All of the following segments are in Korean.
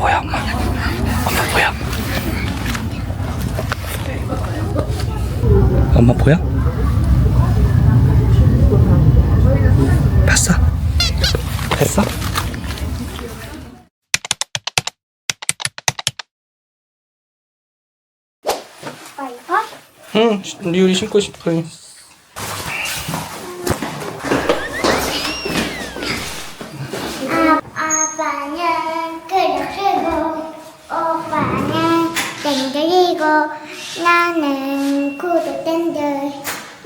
보여, 엄마. 엄마 보여. 엄마 보여? 봤어? 됐어? 아빠 이거? 응, 리율이 신고 싶어. 아빠는 그릇이고 오빠는 땡들이고 나는 구두땡들이고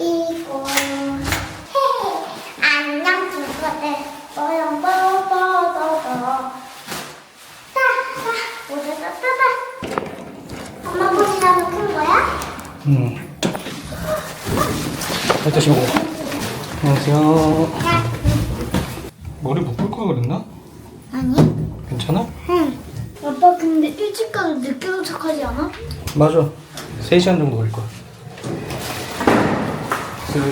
안녕 친구들 뽀용뽀뽀뽀뽀 따따 오다다다다 엄마 보시라고 큰 거야? 응. 일단 신고. 안녕하세요. 머리 묶을 걸 그랬나? 아니. 괜찮아? 응. 아빠 근데 일찍 가도 늦게 도착하지 않아? 맞아. 3시간 정도 걸릴 거야. 근데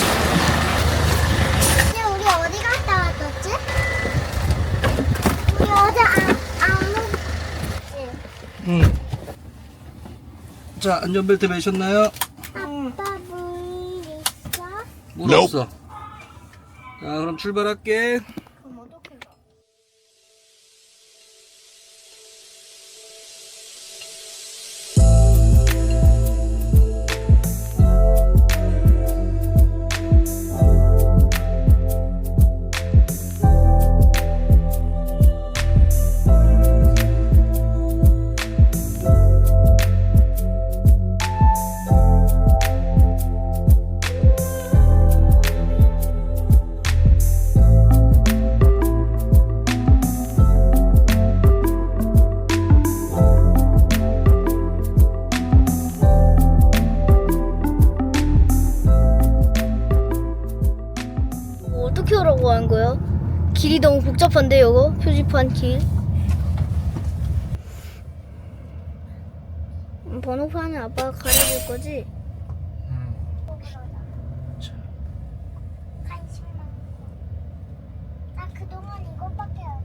우리 어디 갔다 왔었지? 우리 어제 안 먹었지? 응. 자, 안전벨트 매셨나요? 아빠 물 있어? 물 없어. 자, 그럼 출발할게. 그럼 어떻게 가? 어떻게 오라고 하는 거야? 길이 너무 복잡한데 이거 표지판 길. 번호판은 아빠가 가려줄 거지? 관심 많고 나 그동안 이것밖에 안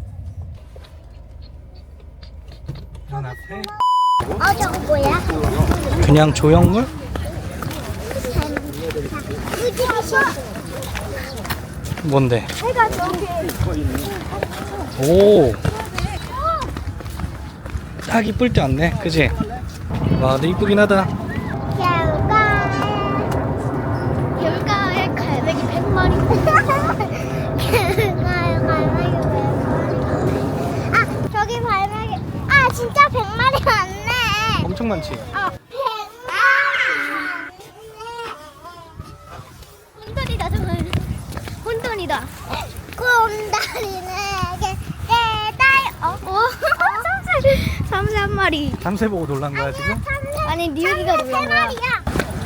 먹고 난 앞에. 있었어. 저거 뭐야? 그냥 조형물? 무지개시 뭔데? 내가 저기 오. 딱 이쁠 때 왔네. 그지? 와, 근데 이쁘긴 하다. 겨울가에 갈매기 100마리. 아 저기 발매기 아 진짜 100마리 왔네. 엄청 많지? 100마리. 혼돈이다 저건. 혼돈이다. 곰다리네 깨달 삼새 한 마리. 참새 보고 놀란 거야, 지금? 아니 리우기가 놀란 거야. 마리야.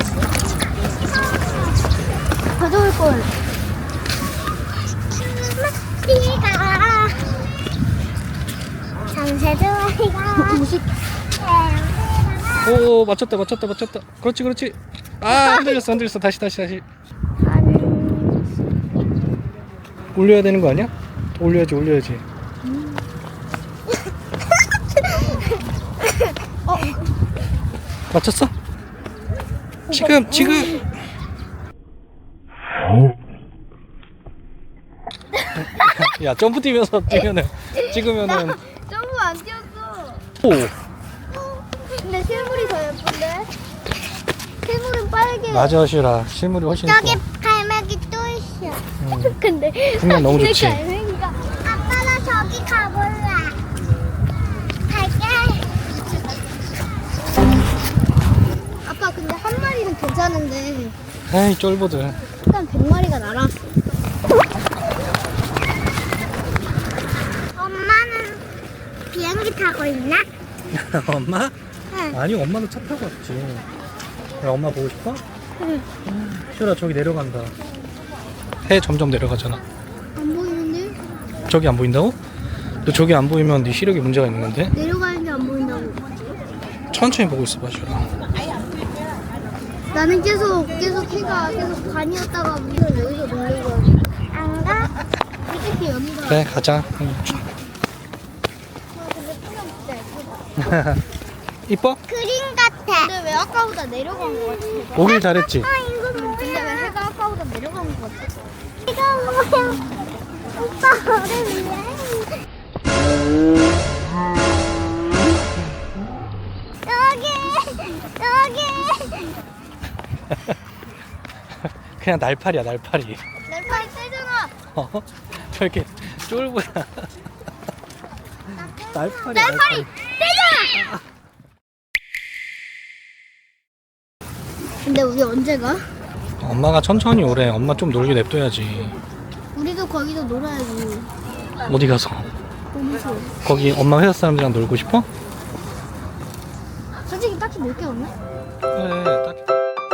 가져올 걸. 띠가 잠새도 아이가 오, 맞췄다. 그렇지. 아, 흔들렸어. 다시. 올려야 되는 거 아니야? 올려야지. 맞췄어? 지금. 야, 점프 뛰면서 찍으면은. 점프 안 뛰었어. 오, 근데 실물이 더 예쁜데? 실물은 빨개. 맞아, 시라. 실물이 훨씬 이뻐. 저기 갈매기 또 있어. 근데 풍경 너무 좋지? 갈매기가 아빠 나 저기 가볼래. 갈게. 아빠 근데 한 마리는 괜찮은데 에이, 쫄보들. 일단 100마리가 날아왔어. 엄마는 비행기 타고 있나? 엄마? 응. 아니, 엄마는 차 타고 왔지. 야, 엄마 보고 싶어? 응. 시라, 저기 내려간다. 해 점점 내려가잖아. 안 보이는데? 저기 안 보인다고? 너 저기 안 보이면 네 시력에 문제가 있는 건데? 내려가는데 안 보인다고. 천천히 보고 있어 봐, 시라. 나는 계속 해가 계속 반이었다가 문을 여기서 돌린 거야. 안 가? 이렇게 연다. 그래, 가자. 응. 이뻐? 그림 같아. 근데 왜 아까보다 내려간 것 같아? 오길 잘했지? 아, 이거 뭐야? 근데 왜 해가 아까보다 내려간 것 같아? 이거 뭐야? 오빠 얼음이야? 여기. 그냥 날파리야 날파리. 날파리 세잖아. 어? 저렇게 쫄보야. 날파리. 세잖아. 근데 우리 언제 가? 엄마가 천천히 오래. 엄마 좀 놀게 냅둬야지. 우리도 거기서 놀아야지. 어디 가서? 어디서? 거기 엄마 회사 사람들이랑 놀고 싶어? 솔직히 딱히 놀 게 없네. 그래 딱.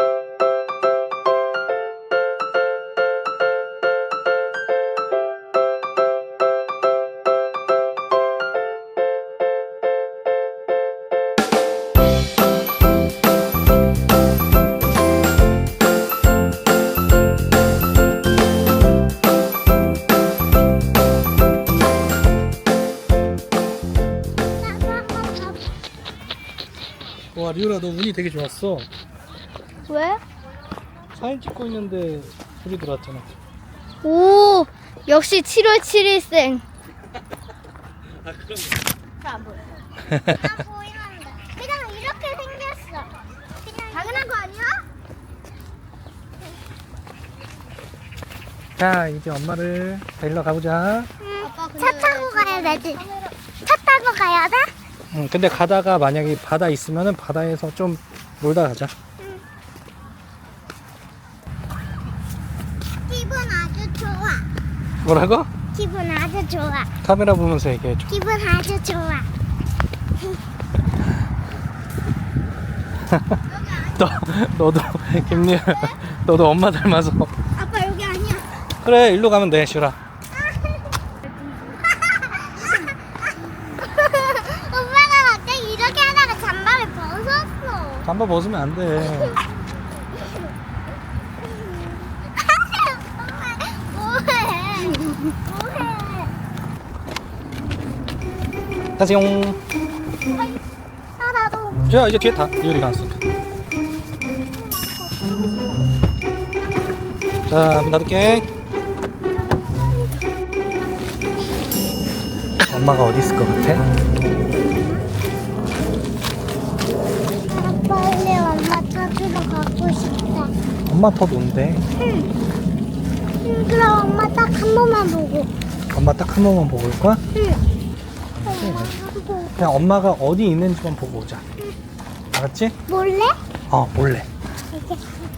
와 리오라 너 운이 되게 좋았어. 왜? 사진 찍고 있는데 불이 들어왔잖아. 오, 역시 7월 7일생. 아 그럼. 잘안 보여. 나 보이는데. 그냥 이렇게 생겼어. 그냥 당연한 거 아니야? 자 이제 엄마를 데리러 가보자. 아빠 근데 차 타고 가야 되지. 차 타고 가야 돼? 응, 근데 가다가 만약에 바다 있으면은 바다에서 좀 놀다 가자. 기분 아주 좋아. 뭐라고? 기분 아주 좋아. 카메라 보면서 얘기해줘. 기분 아주 좋아. 너도 김리아 너도 엄마 닮아서. 아빠 여기 아니야. 그래 일로 가면 돼 슈라. 오빠가 갑자기 이렇게 하다가 잠바를 벗었어. 잠바 벗으면 안 돼. 뭐해? 뭐해? 가세요. 아, 나도. 자 이제 뒤에 타. 리오리가 왔으니까. 자 문 닫을게. 엄마가 어디 있을 것 같아? 빨리 엄마 찾으러 가고 싶다. 엄마 더 논대. 그럼 엄마 딱 한 번만 보고. 엄마 딱 한 번만 보고 올 거야? 엄마 한 번. 그냥 엄마가 어디 있는지만 보고 오자. 알았지? 몰래? 어 몰래. 이렇게.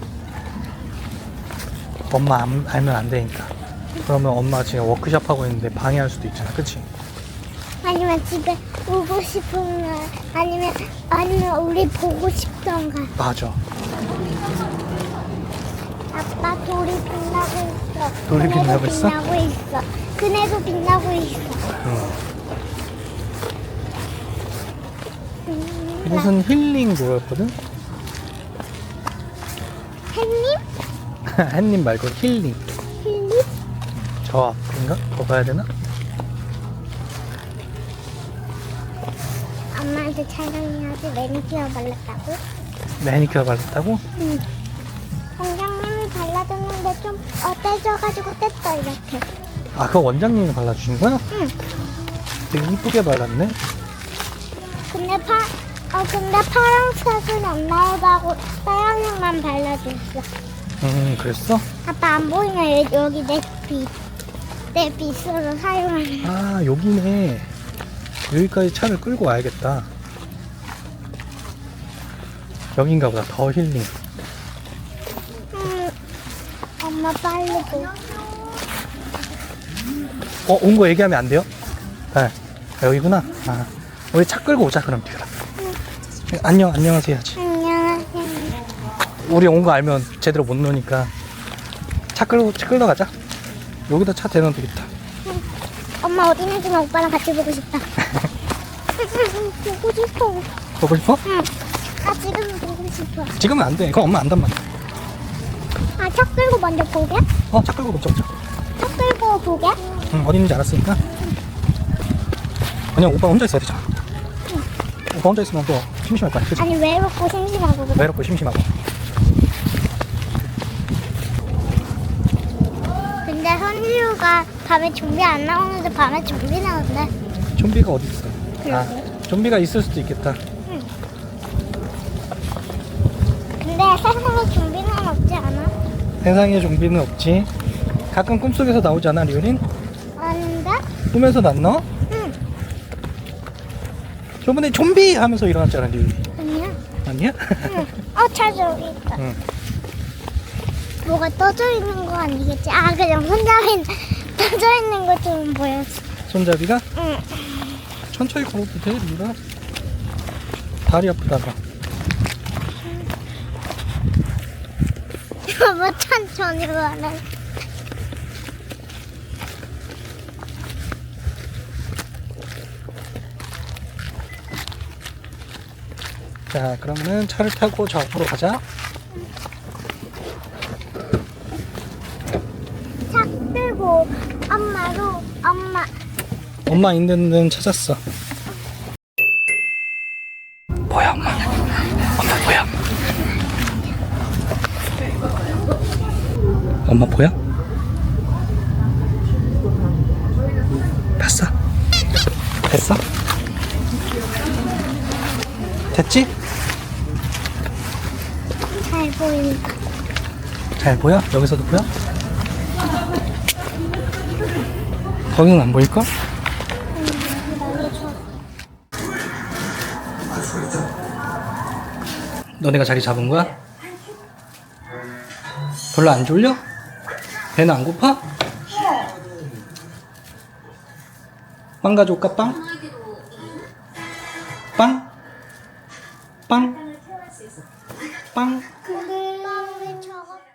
엄마 알면 안 되니까. 그러면 엄마 지금 워크숍 하고 있는데 방해할 수도 있잖아. 그치? 아니면 집에 오고 싶으면 아니면 우리 보고 싶던가. 맞아. 아빠 돌이 빛나고 있어. 돌이 그네도 빛나고 있어? 빛나고 있어. 그네도 빛나고 있어. 무슨 힐링 그거였거든? 햇님? 햇님 말고 힐링. 햇님? 저 앞인가? 더 가야 되나? 엄마한테 촬영해야지. 매니큐어 발랐다고? 매니큐어 발랐다고? 응. 원장님이 발라줬는데 좀 어때져가지고 뗐어 이렇게. 아 그거 원장님이 발라주신 거야? 응. 되게 이쁘게 발랐네. 근데 파란색은 안 나오다고 빨간색만 발라줬어. 그랬어? 아빠 안 보이네. 여기 내 빗으로 사용하는. 아 여기네. 여기까지 차를 끌고 와야겠다. 여긴가 보다. 더 힐링. 엄마 빨리 보. 온 거 얘기하면 안 돼요? 네. 여기구나. 아, 우리 차 끌고 오자 그럼 뒤라. 안녕하세요 하지. 안녕하세요. 우리 온 거 알면 제대로 못 노니까 차 끌러 가자. 여기다 차 대놓으면 되겠다. 엄마 어디 있는지만 오빠랑 같이 보고 싶다. 보고 싶어. 보고 싶어? 응. 아 지금 보고 싶어. 지금은 안 돼. 그건 엄마 안단 말이야. 아 차 끌고 먼저 보게? 차 끌고 먼저 오자. 차 끌고 보게? 응, 어디 있는지 알았으니까. 그냥 오빠 혼자 있어야 되잖아. 혼자 있으면 또 심심할 거야. 그치? 아니 외롭고 심심하고 그래. 외롭고 심심하고. 근데 선지우가 밤에 좀비 안 나오는데 밤에 좀비 나온대. 좀비가 어디 있어? 아, 좀비가 있을 수도 있겠다. 근데 세상에 좀비는 없지 않아? 세상에 좀비는 없지. 가끔 꿈속에서 나오지 않아, 리오린? 아닌데? 꿈에서 안 나와? 응. 저번에 좀비 하면서 일어났잖아, 리오린. 아니야. 아니야? 응. 차 저기 있다. 응. 뭐가 떠져 있는 거 아니겠지? 아 그냥 손잡이 떠져 있는 것처럼 보였어. 손잡이가? 응. 천천히 걸어도 돼, 리오라. 다리 아프다가. 뭐 천천히 가네. 자, 그러면은 차를 타고 저 앞으로 가자. 차 끌고 엄마 엄마 있는 데는 찾았어. 뭐야, 엄마? 엄마 뭐야? 엄마 보여? 봤어? 됐어? 됐지? 잘 보인다. 잘 보여? 여기서도 보여? 거기는 안 보일걸? 너네가 자리 잡은 거야? 별로 안 졸려? 배는 안 고파? 빵 가져올까, 빵? 빵? 빵? 빵? 근데 저거